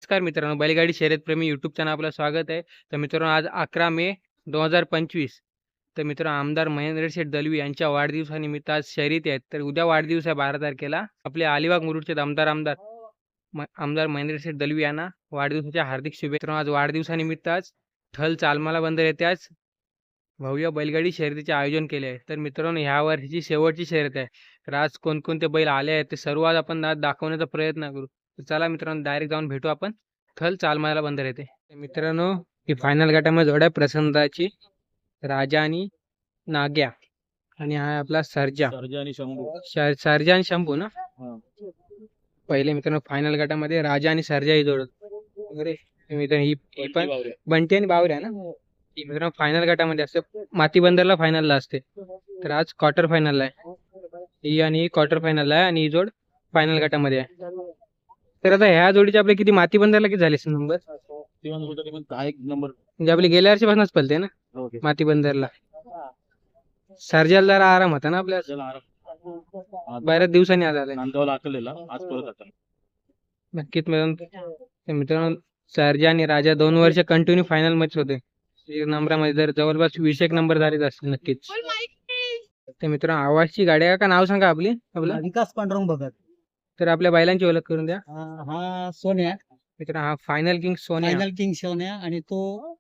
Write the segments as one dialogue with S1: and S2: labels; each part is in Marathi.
S1: नमस्कार मित्रांनो, बैलगाडी शर्यतप्रेमी यूट्यूब चॅनल आपलं स्वागत आहे. तर मित्रांनो, आज 11 मे 2025. तर मित्रांनो, आमदार महेंद्र शेठ दलवी यांच्या वाढदिवसानिमित्त आज शर्यती आहेत. तर उद्या वाढदिवस आहे 12 तारखेला. आपले अलिबाग मुरुडचे दमदार आमदार महेंद्र शेठ दलवी यांना वाढदिवसाच्या हार्दिक शुभेच्छा. आज वाढदिवसानिमित्त आज ठल चालमाला बंदर येथे आज भव्य बैलगाडी शर्यतीचे आयोजन केले आहे. तर मित्रांनो, ह्या वर्षीची शेवटची शर्यत आहे. तर आज कोणकोणते बैल आले आहेत ते सर्व आज आपण आज दाखवण्याचा प्रयत्न करू. तर चला मित्रांनो, डायरेक्ट जाऊन भेटू आपण थल चालमाला बंदर येते. मित्रांनो, ही फायनल गटामध्ये जोड्या प्रसन्नताची राजा आणि नाग्या आणि हा आपला सर्जा
S2: आणि शंभू.
S1: सर्जा आणि शंभू ना. पहिले मित्रांनो फायनल गटामध्ये राजा आणि सर्जा ही जोड वगैरे. मित्रांनो, ही पण बंटी आणि बावऱ्या ना. ही मित्रांनो फायनल गटामध्ये असते, माती बंदरला फायनलला असते. तर आज क्वार्टर फायनलला आहे ही, आणि ही क्वार्टर फायनलला आहे आणि ही जोड फायनल गटामध्ये आहे. तर आता ह्या जोडीचे आपले किती माती बंदरला किती झाले नंबर?
S2: एक नंबर
S1: म्हणजे आपली गेल्या वर्षीपासूनच पलते ना माती बंदरला. सर्जाला जरा आराम होता ना आपल्या, बऱ्याच दिवसांनी आज आलाय.
S2: नांदगावला आकलेला आज परत आता.
S1: नक्कीच मित्रांनो, सर्जा आणि राजा 2 वर्ष कंटिन्यू फायनल मध्ये होते. नंबरामध्ये जर जवळपास 20 नंबर झालेच असतील नक्कीच. तर मित्रांनो, आवाजची गाडी आहे का? नाव सांगा आपली. आपलं
S3: विकास पांडुरंग भगत.
S1: तर आपल्या बैलांची ओळख करून द्या.
S3: हा सोन्या,
S1: मित्रांनो, हा final king Sonya.
S3: Final king Sonya, आणि तो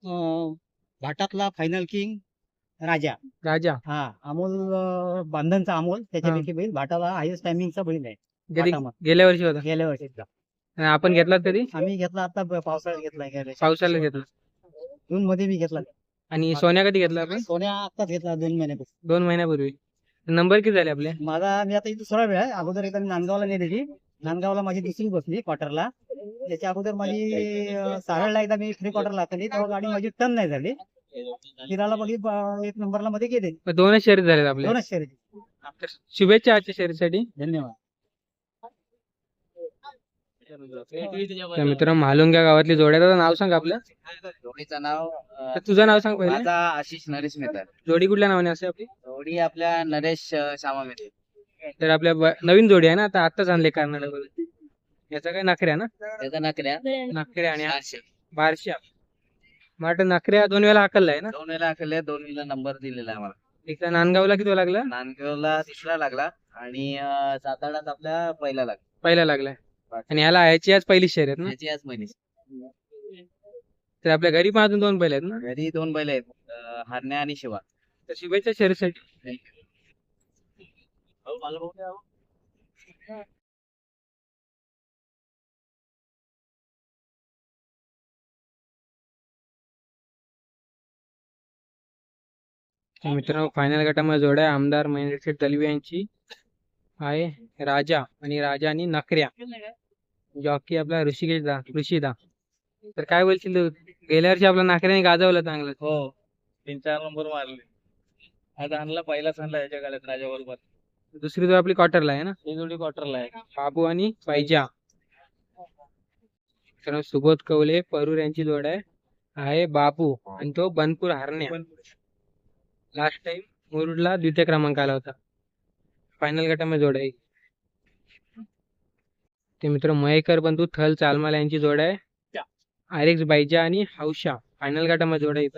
S3: भाटातला फायनल किंग राजा.
S1: राजा
S3: हा अमोल, बांधणचा अमोल त्याच्यापैकी बैल भाटाला हायस्ट टायमिंगचा बैल आहे.
S1: कधी
S3: भाटामध्ये.
S1: गेल्या वर्षी होता.
S3: गेल्या वर्षीचा
S1: आणि आपण घेतलात कधी?
S3: आम्ही घेतला आता पावसाळ्यात घेतलाय.
S1: पावसाला घेतला.
S3: जून मध्ये मी घेतला.
S1: आणि सोन्या कधी घेतला आपण?
S3: सोन्या आत्ताच घेतला 2 महिन्यापासून.
S1: 2 महिन्यापूर्वी. नंबर किती झाले आपले?
S3: माझा मी आता इथे 2रा वेळ आहे. अगोदर एकदा मी नांदगावला नेलेली. नांदगावला माझी 2री बसली क्वार्टरला. त्याच्या अगोदर माझी सारळला एकदा मी 3 क्वार्टरला आखली, तेव्हा गाडी माझी टर्न नाही झाली. फिरायला बघी 1 नंबरला मध्ये गेले.
S1: 2च शर्यत झाले आपले.
S3: 2च शर्यती.
S1: शुभेच्छा आजच्या शर्यतीसाठी.
S3: धन्यवाद.
S1: तर मित्रांनो, महालुंग्या गावातली जोड्याचं नाव सांग आपलं.
S4: जोडीचं नाव
S1: तर तुझं नाव सांग पहिले.
S4: माझा आशिष नरेश मेहता.
S1: जोडी कुठल्या नावाने असते आपली?
S4: जोडी आपल्या नरेश श्यामा मेहते.
S1: तर आपल्या नवीन जोडी आहे ना, आता आत्ताच आणले कर्नाटक. याचा काय नखऱ्या ना?
S4: त्याचा नकऱ्या
S1: नखऱ्या आणि
S4: चारशे.
S1: बारशा. मला नखऱ्या 2 वेळा हाकलला आहे ना.
S4: 2 वेळा आखले, 2 वेळा नंबर दिलेला आहे आम्हाला.
S1: एकदा नांदगावला किती लागला?
S4: नांदगावला 3रा लागला आणि साताऱ्यात आपल्या पहिला लागला.
S1: पहिला लागलाय. आणि ह्याला ह्याची आज पहिली शर्यत ना.
S4: त्याची आज महिने.
S1: तर आपल्या घरी पण अजून 2 बैल आहेत ना.
S4: घरी 2 बैल आहेत, हरण्या आणि शिवा.
S1: तर शुभेच्छा शर्यतीसाठी. तर मित्रांनो, फायनल गटामध्ये जोड्या आमदार महेंद्र शेठ दलवी यांची आहे राजा आणि नखऱ्या. जॉकी आपला ऋषिदा. तर काय बोलशील तू? गेल्या वर्षी आपला नखऱ्याने गाजवलं चांगलं.
S2: हो, 3-4 नंबर मारले. आज आणला, पहिलाच आणला याच्या गाड्यात राजा बरोबर.
S1: दुसरी जोड आपली क्वार्टरला आहे ना.
S2: ही जोडी क्वार्टरला आहे.
S1: बाबू आणि पायजा. मित्रांनो, सुबोध कवले परूर यांची जोड आहे बाबू आणि तो बनपूर हरण्या. लास्ट टाइम मुरुडला 2य क्रमांक आला होता. फायनल गटामध्ये जोड आहे. ते मित्र मयेकर बंधू थल चालमाला यांची जोड आहे आरेक्स बायजा आणि हौशा. फायनल गटामध्ये जोड आहे.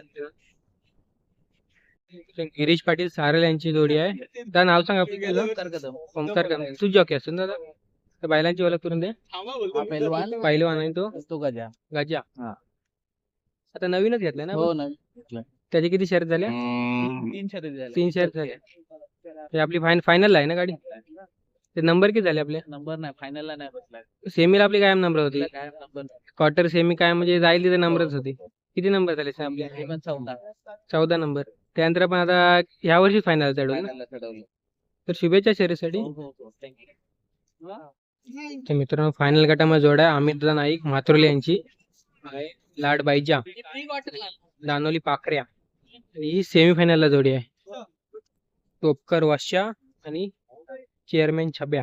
S1: गिरीश पाटील सारल यांची जोडी आहे. त्या नाव सांग आपलं. ओमकार कदम. तू जॉकी असतो ना दादा. तर बैलांची ओळख करून दे. पहिलवान आहे तो गजा. आता नवीनच घेतलाय ना.
S4: हो, नवीन.
S1: त्याचे किती शर्यत झाल्या? 3 शर्यत झाल्या. ते आपली फायनल आहे ना गाडी. ते नंबर किती झाले आपले?
S4: नंबर नाही, फायनलला नाही बसला.
S1: सेमीला आपली कायम नंबर होती.
S4: काय नंबर?
S1: क्वार्टर सेमी काय म्हणजे जाईल तिथे नंबरच होती. किती नंबर झाले आपले?
S4: हे पण 14.
S1: 14 नंबर. त्यानंतर आपण आता ह्या वर्षी फायनल चढवलं.
S4: फायनलला चढवलं.
S1: तर शुभेच्छा शर्यतीसाठी.
S4: हो, थँक्यू.
S1: तर मित्रांनो, फायनल गटामध्ये जोड आहे अमितदा नाईक म्हात्रोले यांची आहे लाड बायजा दानोली पाखऱ्या. आणि ही सेमीफायनलला जोडी आहे टोपकर वाशा आणि चेअरमॅन छब्या.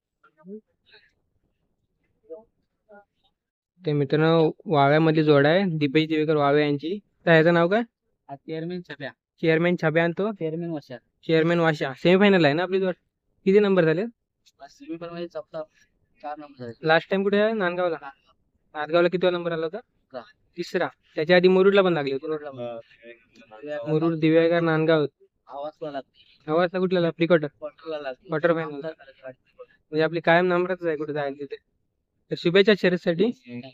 S1: ते मित्रांनो, वाव्यामधली जोड आहे दीपेश देवेकर वावे यांची. तर ह्याचं नाव काय?
S4: चेअरमॅन छब्या.
S1: चेअरमॅन छब्या आणि तो
S4: चेअरमॅन वशा.
S1: चेअरमॅन वाशा. सेमीफायनल आहे ना आपली जोड. किती नंबर झाले?
S4: सेमीफायनल मध्ये 4 नंबर झाले.
S1: लास्ट टाइम कुठे आहे? नांदगावला. नांदगावला किती नंबर आला होता?
S4: तिसरा.
S1: तिसरा. त्याच्या आधी मुरुडला पण लागली होती. मुरुड, दिव्यागार, नांदगाव.
S4: आवाज पण लागतो.
S1: आवाजला कुठला प्री क्वार्टर?
S4: क्वार्टरला लागतो.
S1: Quarter final. म्हणजे आपली कायम नंबरच आहे कुठे जायला तिथे. तर शुभेच्छा शर्यतीसाठी.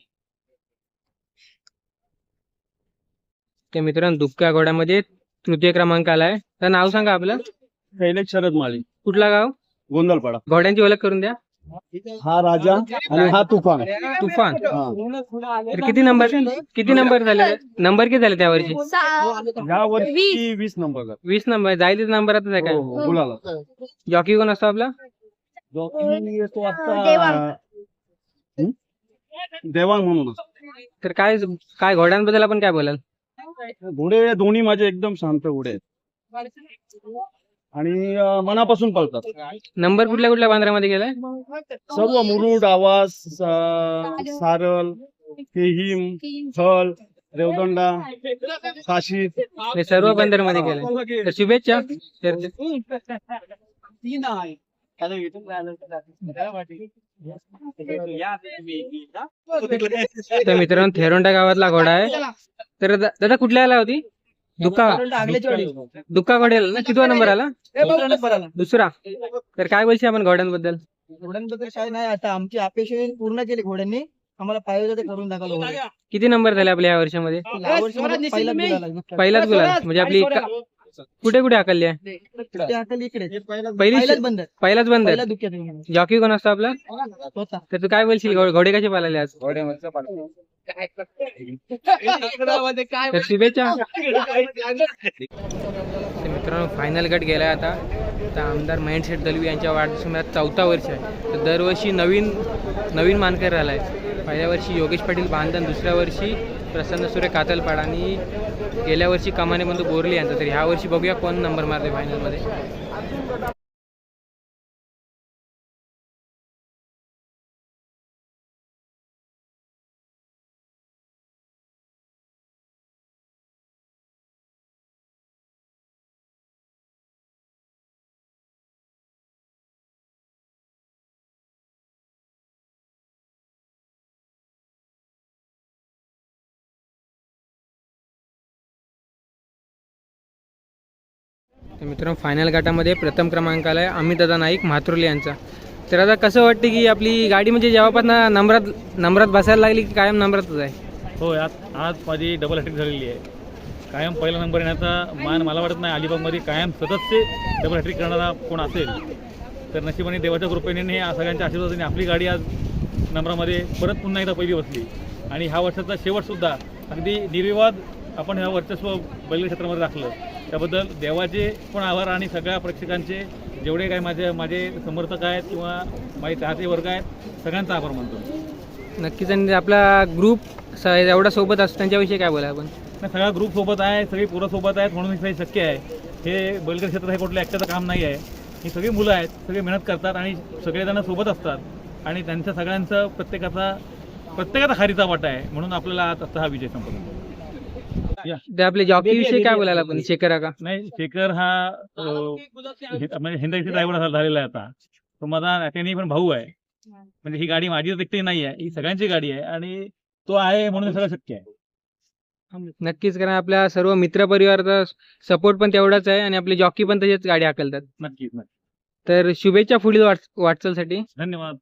S1: ते मित्रांनो दुबका घोड्यामध्ये तृतीय क्रमांक आलाय. तर नाव सांगा आपलं.
S5: कैलेश शरद माळी,
S1: कुठला गाव?
S5: गोंधळपाडा.
S1: घोड्यांची ओळख करून द्या.
S5: हा राजा आणि हा तुफान.
S1: तुफान.
S5: हा.
S1: तर किती नंबर झाले? नंबर किती झाले त्यावर्षी?
S5: या वर्षी 20 नंबर.
S1: 20 नंबर. जाईल नंबरातच आहे काय?
S5: बोलाला
S1: जॉकी कोण असतो आपला?
S5: जॉकी तो आता देवांग म्हणून असतो.
S1: तर काय घोड्यांबद्दल आपण काय बोलाल?
S5: घोडे दोन्ही माझे एकदम शांत घोडे आहेत आणि मनापासून पळतात.
S1: नंबर कुठल्या बांद्रामध्ये गेलाय?
S5: सर्व मुरुड, आवास, सारल, केहीम, थल, रेवदंडा, काशी.
S1: हे सर्व बंदरमध्ये गेलाय. तर शुभेच्छा. तर मित्रांनो थेरोंडा गावातला घोडा आहे. तर दादा कुठल्या आला होती? दुक्का घोड्याला ना? कितवा नंबर आला? दुसरा. तर काय बोलशील आपण घोड्यांबद्दल?
S3: घोड्यांबद्दल काय नाही, आता आमची अपेक्षा पूर्ण केली घोड्यांनी. आम्हाला पाहिजे ते करून दाखवलं.
S1: किती नंबर झाले आपल्या या वर्षामध्ये? पहिलाच गुलाल. म्हणजे आपली कुठे हाकलली आहे? पहिलाच बंदर. जॉकी कोण असतो आपला? तर तू काय बोलशील घोडे कसे पाळले आज? तर शुभेच्छा. तर मित्रांनो फायनल गट गेलाय आता. तर आमदार महेंद्र शेठ दलवी यांच्या वाढदिवसामध्ये 4था वर्ष आहे. तर दरवर्षी नवीन मानकर आलाय. पहिल्या वर्षी योगेश पाटील बांधन, दुसऱ्या वर्षी प्रसन्न सूर्य कातलपाड आणि गेल्या वर्षी कमाने बंधू बोरली यांचा. तर ह्या वर्षी बघूया कोण नंबर मारते फायनलमध्ये. तर मित्रांनो फायनल गटामध्ये प्रथम क्रमांक आला आहे अमितदादा नाईक म्हात्रोली यांचा. तर आता कसं वाटतं की आपली गाडी म्हणजे जेव्हापासून नंबरात बसायला लागली की कायम नंबरातच आहे?
S2: हो, आज माझी डबल हॅट्रिक झालेली आहे. कायम पहिला नंबर येण्याचा मान मला वाटत नाही अलिबागमध्ये कायम सतत ते डबल हॅट्रिक करणारा कोण असेल. तर नशिबाने देवाच्या कृपेने सगळ्यांच्या आशीर्वादाने आपली गाडी आज नंबरामध्ये परत पुन्हा एकदा पहिली बसली. आणि ह्या वर्षाचा शेवटसुद्धा अगदी निर्विवाद आपण ह्या वर्चस्व बैलगाडी क्षेत्रामध्ये राखलं. त्याबद्दल देवाचे पण आभार आणि सगळ्या प्रेक्षकांचे, जेवढे काय माझे समर्थक आहेत किंवा माझे चाहते वर्ग आहेत, सगळ्यांचा आभार मानतो.
S1: नक्कीच. आणि आपला ग्रुप एवढा सोबत असतो त्यांच्याविषयी काय बोला आपण?
S2: सगळा ग्रुप सोबत आहे, सगळी पोरं सोबत आहेत म्हणून हे शक्य आहे. हे बैलगाडी क्षेत्र हे कुठलं एकट्याचं काम नाही आहे. ही सगळी मुलं आहेत, सगळे मेहनत करतात आणि सगळेजण सोबत असतात आणि त्यांच्या सगळ्यांचं प्रत्येकाचा खारीचा वाटा आहे. म्हणून आपल्याला आता हा विजय संपन्न.
S1: ते आपले जॉकी विषयी काय बोलायला आपण? शेखर का
S2: नाही, शेखर हा म्हणजे हिंदाईचा ड्रायव्हर झालेला आहे आता. तो माझा त्याने पण भाऊ आहे. म्हणजे ही गाडी माझी एकटी नाही आहे, ही सगळ्यांची गाडी आहे आणि तो आहे म्हणून हे सगळं शक्य आहे.
S1: नक्कीच. कारण आपल्या सर्व मित्र परिवाराचा सपोर्ट पण तेवढाच आहे आणि आपले जॉकी पण तसेच गाडी हाकलतात.
S2: नक्कीच.
S1: तर शुभेच्छा पुढील वाटचालसाठी.
S2: धन्यवाद.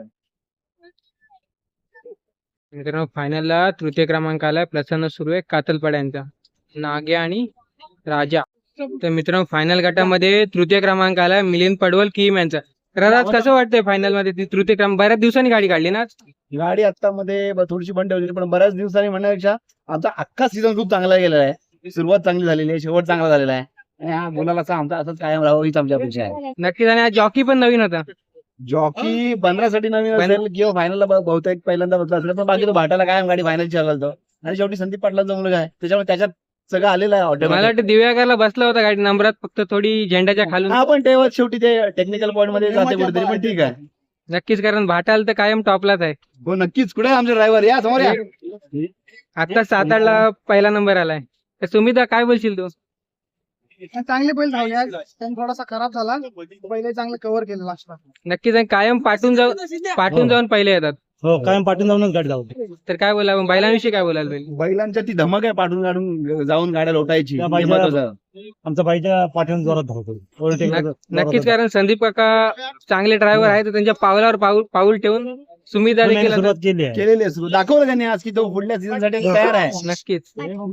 S1: मित्रांनो फायनलला तृतीय क्रमांक आलाय प्रसन्न सुर्वे कातलपाड यांचा, नागे आणि राजा. तर मित्रांनो फायनल गटामध्ये तृतीय क्रमांक आलाय मिलिंद पडवल किम यांचा. तर आज कसं वाटतंय फायनल मध्ये ती तृतीय क्रमांक? बऱ्याच दिवसांनी गाडी काढली ना?
S5: गाडी आता मध्ये थोडीशी बंद ठेवली, पण बऱ्याच दिवसांनी म्हणण्यापेक्षा आमचा अख्खा सीझन खूप चांगला गेलेला आहे. सुरुवात चांगली झालेली आहे, शेवट चांगला झालेला आहे आणि हा मुलाला आमचा असंच कायम राहावं हीच आमची अपेक्षा आहे.
S1: नक्कीच. आणि आज जॉकी पण नवीन होता.
S5: जॉकी 15 साठी नवीन असेल किंवा फायनलला बहुतेक पहिल्यांदा बसला असेल, पण बाकी तो भाटाला कायम गाडी फायनल चालवतो आणि शेवटी संदीप पाटलांचा मुलगा आहे, त्याच्यामुळे त्याच्यात सगळं आलेलं आहे.
S1: मला वाटतं दिव्यागारला बसला होता गाडी नंबरात, फक्त थोडी झेंड्याच्या खालून.
S5: हा, पण तेव्हा शेवटी ते टेक्निकल पॉईंट मध्ये जाते कुठेतरी, पण ठीक आहे.
S1: नक्कीच. कारण भाटाल तर कायम टॉपलाच आहे.
S5: हो नक्कीच. कुठे आमचे ड्रायव्हर? या समोर या.
S1: आता 7-8ला पहिला नंबर आलाय. तर सुमिता काय बोलशील तू?
S3: चांगले बैल धावले आज. त्यांनी थोडासा खराब झाला, पहिले चांगलं कव्हर केलं लास्टला.
S1: नक्कीच. आणि कायम पाठून जाऊन पहिले येतात.
S3: हो कायम पाठून जाऊनच गाडी धावते.
S1: तर काय बोला बैलांविषयी काय बोलाल बैल
S5: बैलांच्या ती धमक आहे पाठून काढून जाऊन गाड्या लोटायची
S3: त्या
S5: ते
S3: बाईच्या-
S5: महत्वाचं.
S3: आमच्या बाईच्या पाठीवर जोरात धावतो.
S1: नक्कीच, कारण संदीप काका चांगले ड्रायव्हर आहेत, तर त्यांच्या पावलावर पाऊल ठेवून सुमित देखील आता-
S3: सुरुवात केली आहे.
S5: केलेली आहे सुरू. दाखवलं त्यांनी आज की तो पुढल्या सीझन साठी तयार आहे.
S1: नक्कीच.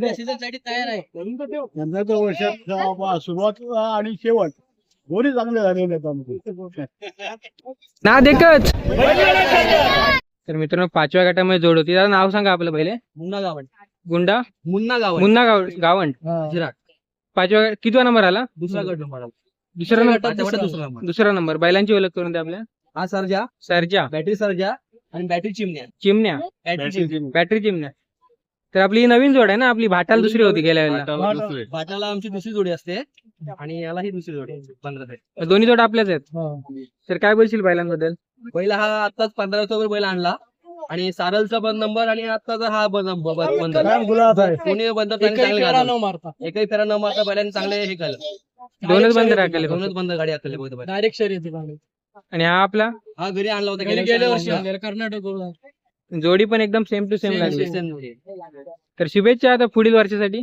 S3: यंदा तर वर्षात सुरुवात आणि शेवट दोन्ही चांगले झालेले आहेत आमचे.
S1: ना देखच. तर मित्रांनो 5व्या गटामध्ये जोड होती. दादा नाव सांगा आपलं पहिले.
S4: मुन्ना गावंड.
S1: गुंडा
S4: मुन्ना गावंड.
S1: मुन्ना गावंड.
S4: जिराट.
S1: 5व्या कितवा नंबर आला?
S4: दुसरा गट नंबर.
S1: दुसरा नंबर.
S4: दुसरा नंबर.
S1: दुसरा नंबर. बैलांची ओळख करून द्या आपल्या.
S4: हा सर्जा,
S1: सरजा,
S4: बॅटरी सर्जा आणि बॅटरी चिमण्या.
S1: चिमण्या, बॅटरी चिमण्या. तर आपली ही नवीन जोड आहे ना, आपली भाटाल दुसरी होती गेल्या वेळेला.
S4: भाटाला आमची दुसरी जोडी असते आणि याला ही दुसरी जोडी 15
S1: दोन्ही जोड आपल्याच आहेत. तर काय बोलशील बैलांबद्दल?
S4: पहिला हा आताच 15 ऑक्टोबर बैल आणला आणि सारलचा पण नंबर आणि आताचा हा बंद
S3: कायम गुलाब आहे.
S4: कोणी बंद चांगले गाजवलं. एकही फेरा न मारता बैलांनी चांगले हे केलं.
S1: दोनच बंद राखले
S4: दोनच बंद गाडी आखली बैल.
S3: डायरेक्ट शर्यती
S1: आणि हा आपला
S4: हा घरी आणला होता गेल्या वर्षी
S3: कर्नाटक
S1: जोडी पण एकदम सेम टू सेम लागली.
S4: Same जोडी.
S1: तर शुभेच्छा आता पुढील वर्षासाठी.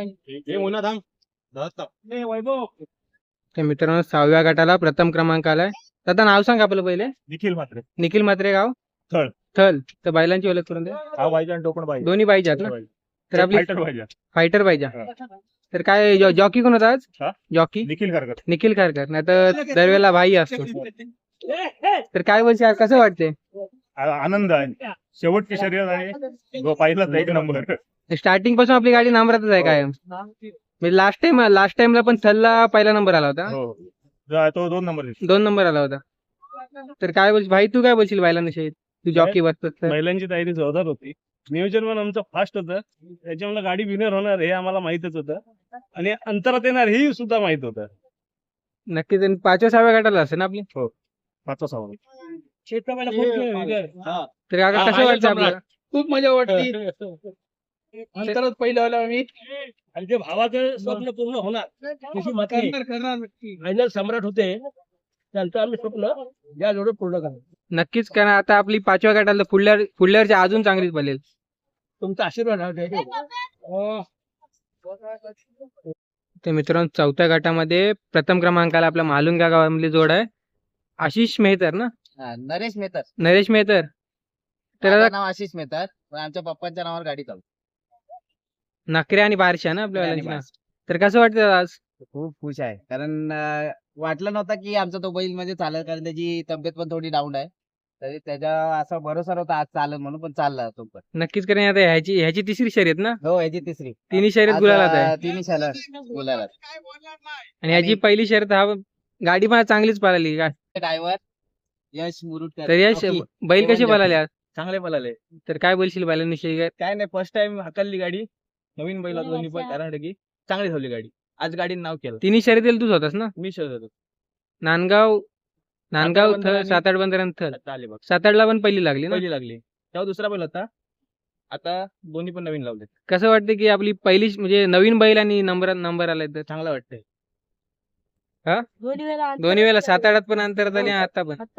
S1: तर मित्रांनो 6व्या गटाला प्रथम क्रमांक आलाय. दादा नाव सांग आपलं पहिले.
S3: निखिल मात्र
S1: निखिल म्हात्रे, गाव
S3: थळ.
S1: थल. तर बैलांची ओळख करून द्या.
S3: हा पाहिजे आणि टोकण पाहिजे.
S1: दोन्ही पाहिजेत ना. तर आपली
S3: पाहिजे.
S1: फायटर पाहिजे. तर काय जॉकी कोण होता आज?
S3: हा?
S1: जॉकी
S3: निखिल करकर.
S1: निखिल खारकर. नाही तर दरवेळेला भाई असतो. तर काय बोलशील आज, कसं वाटते?
S3: आनंद आहे. शेवटची शर्यत आहे. पहिलाच एक नंबर.
S1: स्टार्टिंग पासून आपली गाडी नंबरातच आहे कायम. म्हणजे लास्ट टाइमला पण थलला पहिला नंबर आला होता.
S3: हो. तो 2 नंबर.
S1: 2 नंबर आला होता. तर काय बोलशील भाई, तू काय बोलशील बैलांविषयी? तू जॉकी बसतोस तर.
S6: महिलांची तयारी जोरदार होती. नियोजन पण आमचं फास्ट होतं. त्याच्यामुळे गाडी विनर होणार हे आम्हाला माहितच होतं आणि अंतरात येणार हे सुद्धा माहित होतं.
S1: नक्कीच. आणि 5व्या-6व्या गटाला असेल ना आपली.
S3: 5 सहा.
S1: तर काका कसं वाटतं आपल्याला?
S6: खूप मजा वाटली. अंतरात पहिलं आलो आम्ही आणि ते भावाचं स्वप्न पूर्ण होणार तशी फायनल सम्राट होते त्यांचं आम्ही स्वप्न या जोडे पूर्ण करणार.
S1: नक्कीच, कारण आता आपली 5व्या गटाला पुढल्या अजून चांगलीच बनेल.
S6: तुमचा आशीर्वाद राहू दे.
S1: तर मित्रांनो 4थ्या गटामध्ये प्रथम क्रमांकाला आपल्या मालुंगा गावामधली जोड आहे. आशिष मेहतर ना,
S4: हा, नरेश मेहतर.
S1: नरेश मेहतर. तर
S4: माझं
S1: आता
S4: नाव आशिष मेहतर पण आमच्या पप्पांच्या नावावर गाडी चालू.
S1: नकरे आणि बारशा ना आपल्या
S4: आणि
S1: वाल्यांची ना.
S4: बारशा.
S1: तर कसं वाटतं आज?
S4: खूप खुश आहे कारण वाटलं नव्हतं की आमचा तो बैल म्हणजे चालेल, कारण त्याची तब्येत पण थोडी डाऊन आहे. तरी त्याच्या असा भरोसा नव्हता आज चालेल म्हणून, पण चालला तो पण.
S1: नक्कीच, कारण आता ह्याची तिसरी शर्यत ना.
S4: हो, याची तिसरी.
S1: तिन्ही शर्यत
S4: आज,
S1: गुलालात आहे.
S4: तिन्ही शाला गुलालात.
S1: आणि ह्याची पहिली शर्यत हा गाडी पण चांगलीच पळाली.
S4: ड्रायव्हर यश मुरुडकर.
S1: तर यश
S4: ओके.
S1: बैल कसे
S4: जॉकी.
S1: पळाले आज?
S6: चांगले पळाले.
S1: तर काय बोलशील बैलांविषयी?
S6: काय नाही, फर्स्ट टाइम हाकलली गाडी. नवीन बैल दोन्ही पण कर्नाटकी चांगली धावली गाडी. आज गाडीने नाव केलं.
S1: तिन्ही शर्यतीला तूच होतास ना.
S6: मी शोधत होतो.
S1: नांदगाव
S6: बंदर आणि-
S1: 7-8 बंदरांत थल.
S6: आता आले बघ.
S1: 7-8ला पण पहिली लागली ना.
S6: पहिली लागली तेव्हा दुसरा बैल होता. आता दोन्ही पण नवीन लावले.
S1: कसं वाटतं की आपली पहिली म्हणजे नवीन बैल आणि नंबर आलाय तर
S6: चांगलं वाटतंय.
S1: दोन्ही वेळेला 7-8 पण अंतरात आली आणि आता पण.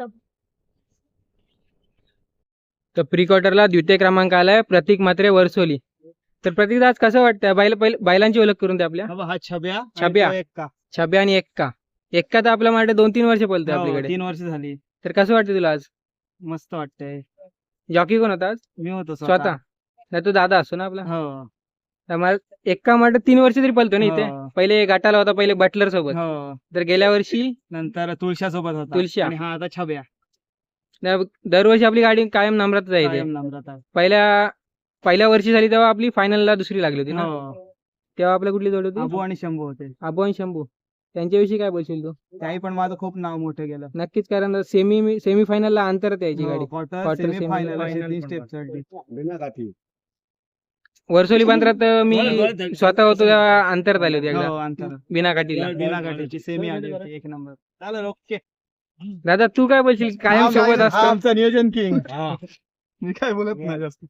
S1: तर प्री क्वार्टरला द्वितीय क्रमांक आलाय प्रतीक म्हात्रे, वर्सोली. तर प्रतीक आज कसं वाटतं? बैलांची ओळख करून द्या आपल्या.
S3: हा छब्या.
S1: छब्या.
S3: आणि तो एक्का.
S1: छब्या आणि एक्का. एक्का तर आपल्या માટે 2-3 वर्ष पळतोय
S3: हो,
S1: आपल्याकडे.
S3: 3 वर्ष झाली.
S1: तर कसं वाटतं तुला आज?
S3: मस्त वाटतंय.
S1: जॉकी कोण होता आज?
S3: मी होतो
S1: स्वतः. नाही तो दादा असतो ना आपला.
S3: हो.
S1: तर मला एक्का માટે 3 वर्ष तरी पळतो ना इथे.
S3: हो.
S1: पहिले गाठाला होता, पहिले बटलर सोबत.
S3: हो.
S1: तर गेल्या वर्षी
S3: नंतर तुळशा सोबत होता.
S1: तुळशा.
S3: आणि हा आता छब्या.
S1: दरवर्षी आपली गाडी कायम नंबरातच आहे इथे.
S3: कायम नम्रता.
S1: पहिल्या वर्षी झाली तेव्हा आपली फायनलला दुसरी लागली होती ना.
S3: हो.
S1: तेव्हा आपल्या कुठली जोड
S3: अबू
S1: होती?
S3: आणि शंभू होते.
S1: अबू आणि शंभू. त्यांच्याविषयी काय बोलशील तू?
S3: त्याही पण माझं खूप नाव मोठं गेलं.
S1: नक्कीच, कारण सेमी फायनलला अंतरात यायची गाडी.
S3: Quarter,
S1: Quarter,
S3: semi
S1: semi,
S3: final
S6: final
S3: असे
S6: पण
S3: 3 स्टेप
S6: पडतात.
S3: चढली.
S1: वर्सोली बंदरात मी
S6: बरं.
S1: स्वतः होतो तेव्हा अंतरात आली होती
S3: हो,
S1: एकदा
S3: अंतर.
S1: बिना काठीला.
S3: बिना गाठीची सेमी आली होती 1 नंबर.
S6: चालेल, ओके.
S1: दादा तू काय बोलशील? कायम सोबत असतो.
S3: आमचं नियोजन किंग.
S6: हा.
S3: मी काय बोलत नाही जास्त.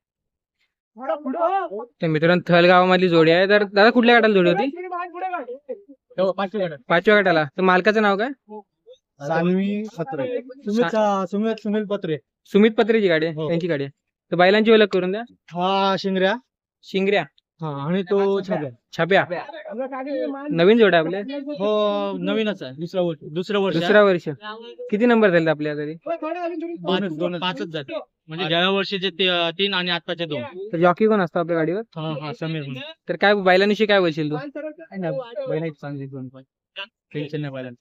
S1: तर मित्रांनो थल गावामधली जोडी आहे. तर दादा कुठल्या गटाला जोडी होती?
S6: हो, पाचवी गाडी.
S1: 5व्या गटाला. तर मालकाचं नाव काय?
S3: सानवी पत्रे सुमित पत्रे
S1: सुमित पत्रेची गाडी आहे
S3: हो.
S1: त्यांची गाडी आहे. तर बैलांची ओळख करून द्या.
S3: हा शिंगऱ्या
S1: शिंगऱ्या,
S3: हा आणि तो छाप्या
S1: छाप्या, नवीन जोड आहे आपले.
S3: हो नवीनच आहे दुसरं वर्ष
S1: दुसरा वर्ष. किती नंबर झाले आपल्या तरी?
S3: पाचच झाले म्हणजे ज्या वर्षीचे 3 आणि आताचे 2.
S1: तर जॉकी कोण असतो आपल्या गाडीवर?
S3: हा समीर
S1: तर काय बैलांविषयी काय बोलशील तू?
S3: बैलाची चांगली दोन पण टेन्शन नाही बैलांचं.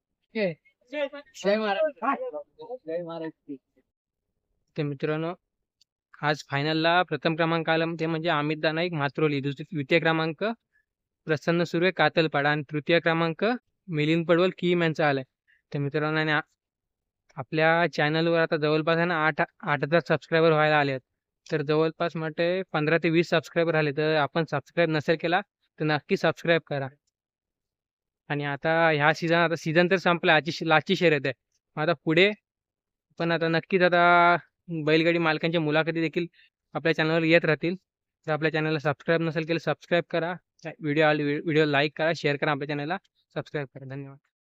S1: तर मित्रांनो, आज फायनलला प्रथम क्रमांक आला ते म्हणजे अमित नाईक मात्रोली, द्वितीय क्रमांक प्रसन्न सुर्वे कातलपाडा आणि तृतीय क्रमांक मिलिंद पडवल कीम यांचा आलाय. तर मित्रांनो, आणि आपल्या चॅनलवर आता जवळपास आहे ना 8,000 सबस्क्रायबर व्हायला आले आहेत. तर जवळपास म्हटते 15 ते 20 सबस्क्रायबर आले. तर आपण सबस्क्राईब नसेल केला तर नक्की सबस्क्राईब करा. आणि आता ह्या सीझन तर संपला, आजची लास्टची शर्यत आहे. मग आता पुढे पण आता नक्कीच आता बैलगाडी मालकांच्या मुलाखती देखील आपल्या चॅनलवर येत राहतील. तर आपल्या चॅनलला सबस्क्राईब नसेल केलं सबस्क्राईब करा. व्हिडिओ लाईक करा, शेअर करा, आपल्या चॅनलला सबस्क्राईब करा. धन्यवाद.